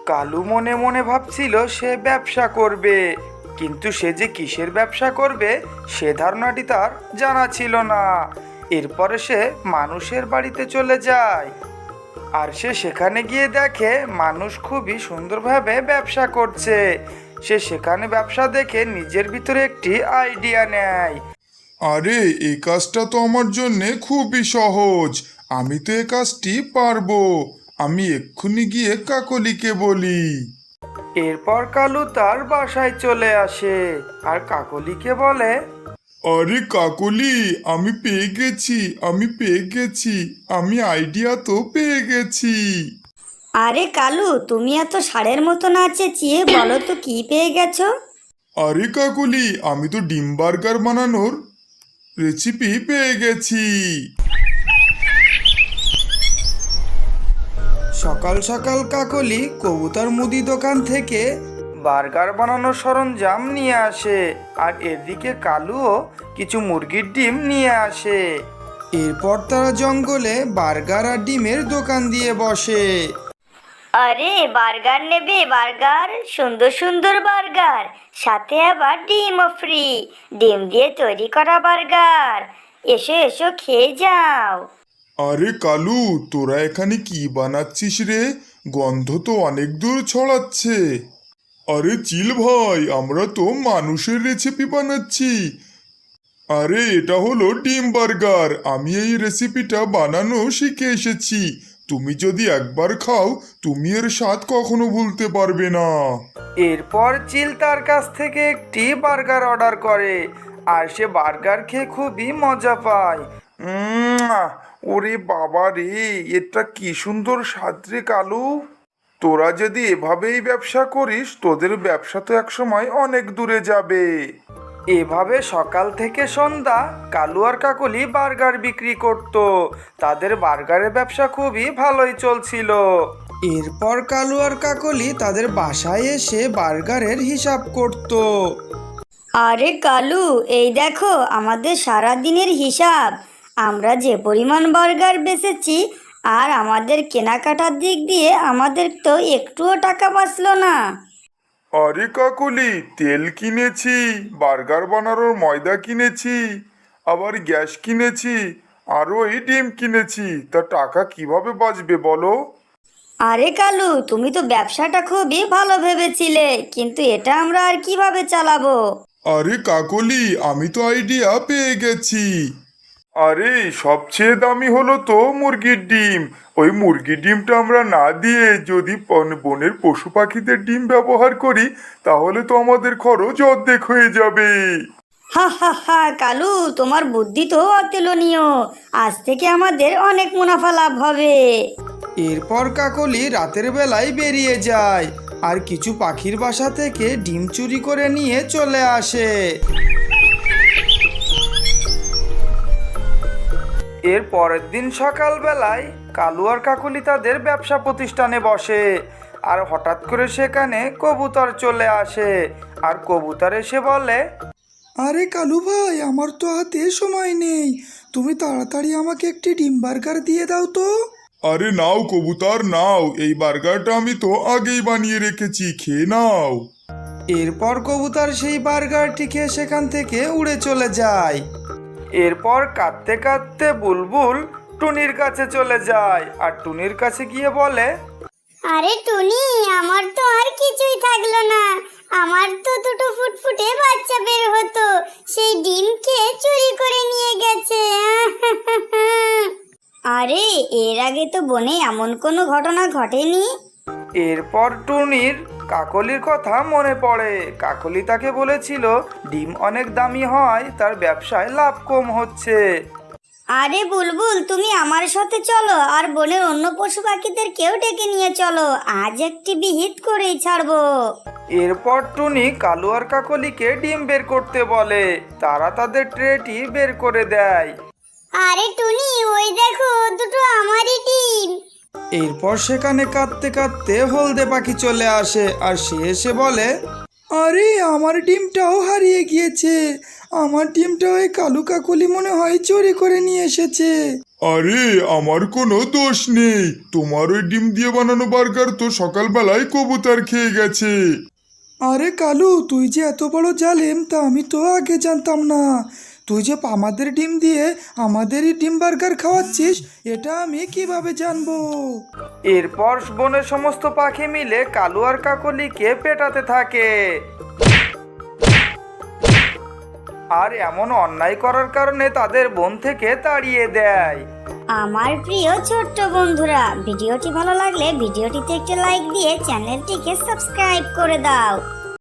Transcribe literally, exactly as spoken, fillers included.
কালু মনে মনে ভাবছিল সে ব্যবসা করবে, কিন্তু সে যে কিসের ব্যবসা করবে সে ধারণাটি তার জানা ছিল না। এরপরে সে মানুষের বাড়িতে চলে যায়, আর সে সেখানে গিয়ে দেখে মানুষ খুবই সুন্দরভাবে ব্যবসা করছে। সে সেখানে ব্যবসা দেখে নিজের ভিতরে একটি আইডিয়া নেয়। আরে এই কাজটা তো আমার জন্যে খুবই সহজ, আমি তো এই কাজটি পারবো। আমি এক্ষুনি গিয়ে কাকলিকে বলি। এরপর কালু তার বাসায় চলে আসে আর কাকলিকে বলে, আরে কাকলি, আমি পেয়ে গেছি, আমি পেয়ে গেছি, আমি আইডিয়া তো পেয়ে গেছি। আরে কালু, তুমি এত ষাঁড়ের মতো না চেঁচিয়ে বলো তো কি পেয়ে গেছো? আরে কাকলি, আমি তো ডিম বার্গার বানানোর রেসিপি পেয়ে গেছি। সকাল সকাল কাকলি কবুতর মুদি দোকান থেকে বার্গার বানানোর সরঞ্জাম নিয়ে আসে, আর এদিকে কালুও কিছু মুরগির ডিম নিয়ে আসে। এরপর তারা জঙ্গলে বার্গার আর ডিমের দোকান দিয়ে বসে। আরে বার্গার নেবে? বার্গার, সুন্দর সুন্দর বার্গার, সাথে আবার ডিমও ফ্রি। ডিম দিয়ে তৈরি করা বার্গার, এসো এসো খেয়ে যাও। আরে কালু, তোরা এখানে কি বানাচ্ছিস রে? গন্ধ তো অনেক দূর ছড়াচ্ছে। আরে চিল ভাই, আমরা তো মানুষের রেসিপি বানাচ্ছি। আরে এটা হলো ডিম বার্গার, আমি এই রেসিপিটা বানানো শিখে এসেছি। তুমি যদি একবার খাও, তুমি এর স্বাদ কখনো ভুলতে পারবে না। এরপর চিল তার কাছ থেকে একটি বার্গার অর্ডার করে, আর সে বার্গার খেয়ে খুবই মজা পায়। উম, ওরে বাবা রে, এটা কি সুন্দর স্বাদ রে কালু। তোরা যদি এভাবেই ব্যবসা করিস, তোদের ব্যবসা তো একসময় অনেক দূরে যাবে। এভাবে সকাল থেকে সন্ধ্যা কালু আর কাকলি বার্গার বিক্রি করত। তাদের বার্গারের ব্যবসা খুবই ভালোই চলছিল। এরপর কালু আর কাকলি তাদের বাসায় এসে বার্গারের হিসাব করত। আরে কালু, এই দেখো আমাদের সারা দিনের হিসাব। আমরা যে পরিমাণ বার্গার বেচেছি, আর আমাদের কেনাকাটার দিক দিয়ে আমাদের তো একটুও টাকা বাঁচলো না। আরে কাকলি, তেল কিনেছি, বার্গার বানানোর ময়দা কিনেছি, আবার গ্যাস কিনেছি, আরও এই ডিম কিনেছি, তা টাকা কিভাবে বাঁচবে বলো? আরে কালু, তুমি তো ব্যবসাটা খুবই ভালো ভেবেছিলে, কিন্তু এটা আমরা আর কিভাবে চালাবো? আরে কাকলি, আমি তো আইডিয়া পেয়ে গেছি। আরে সবচেয়ে দামি হলো তো মুরগির ডিম। ওই মুরগির ডিমটা আমরা না দিয়ে যদি বন- বনের পশু পাখিদের ডিম ব্যবহার করি, তাহলে তো আমাদের খরচ অর্ধেক হয়ে যাবে। হা হা হা কালু, তোমার বুদ্ধি তো অতুলনীয়। আজ থেকে আমাদের অনেক মুনাফা লাভ হবে। এরপর কাকলি রাতের বেলায় বেরিয়ে যায় আর কিছু পাখির বাসা থেকে ডিম চুরি করে নিয়ে চলে আসে। এর পরের দিন সকালবেলায় কালু আর কাকলি তাদের ব্যবসা প্রতিষ্ঠানে বসে, আর হঠাৎ করে সেখানে কবুতর চলে আসে। আর কবুতর এসে বলে, আরে কালু ভাই, আমার তো হাতে সময় নেই, তুমি তাড়াতাড়ি আমাকে একটি ডিম বার্গার দিয়ে দাও তো। আরে নাও কবুতর নাও, এই বার্গারটা আমি তো আগেই বানিয়ে রেখেছি, খেয়ে নাও। এরপর কবুতর সেই বার্গারটি খেয়ে সেখান থেকে উড়ে চলে যায়। এরপর কাঁদতে কাঁদতে বুলবুল টুনির কাছে চলে যায়, আর টুনির কাছে গিয়ে বলে, আরে টুনি, আমার তো আর কিছুই থাকলো না। আমার তো দুটো ফুটফুটে বাচ্চা বের হতো, সেই ডিম খেয়ে চুরি করে নিয়ে গেছে। আরে এর আগে তো বনে এমন কোনো ঘটনা ঘটেনি। এরপর টুনির কাকলির কথা মনে পড়ে। কাকলি তাকে বলেছিল ডিম অনেক দামি হয়, তার ব্যবসায় লাভ কম হচ্ছে। আরে বুলবুল, তুমি আমার সাথে চলো, আর বনের অন্য পশু পাখিদের কেউ ডেকে নিয়ে চলো। আজ একটি বিহিত করেই ছাড়বো। এরপর টুনি কালু আর কাকলিকে ডিম বের করতে বলে। তারা তাদের ট্রেটি বের করে দেয়। আরে টুনি, ওই দেখো দুটো আমারই ডিম। এরপর সেখানে কাঁদতে কাঁদতে হলদে পাখি চলে আসে, আর সে এসে বলে, আরে আমার ডিমটাও হারিয়ে গিয়েছে, আমার ডিমটা ওই কালু কাকলি মনে হয় চুরি করে নিয়ে এসেছে। আরে আমার কোনো দোষ নেই, তোমার ওই ডিম দিয়ে বানানো বার্গার তো সকালবেলায় কবুতর খেয়ে গেছে। আরে কালু, তুই যে এত বড় জালিম তা আমি তো আগে জানতাম না। তুই যে আমাদের ডিম দিয়ে আমাদেরই ডিম বার্গার খাওয়াচ্ছিস এটা আমি কিভাবে জানবো? এরপর বনের সমস্ত পাখি মিলে কালু আর কাকলিকে পেটাতে থাকে। আর এমন অন্যায় করার কারণে তাদের বন থেকে তাড়িয়ে দেয়। আমার প্রিয় ছোট্ট বন্ধুরা, ভিডিওটি ভালো লাগলে ভিডিওটিতে একটি লাইক দিয়ে চ্যানেলটিকে সাবস্ক্রাইব করে দাও।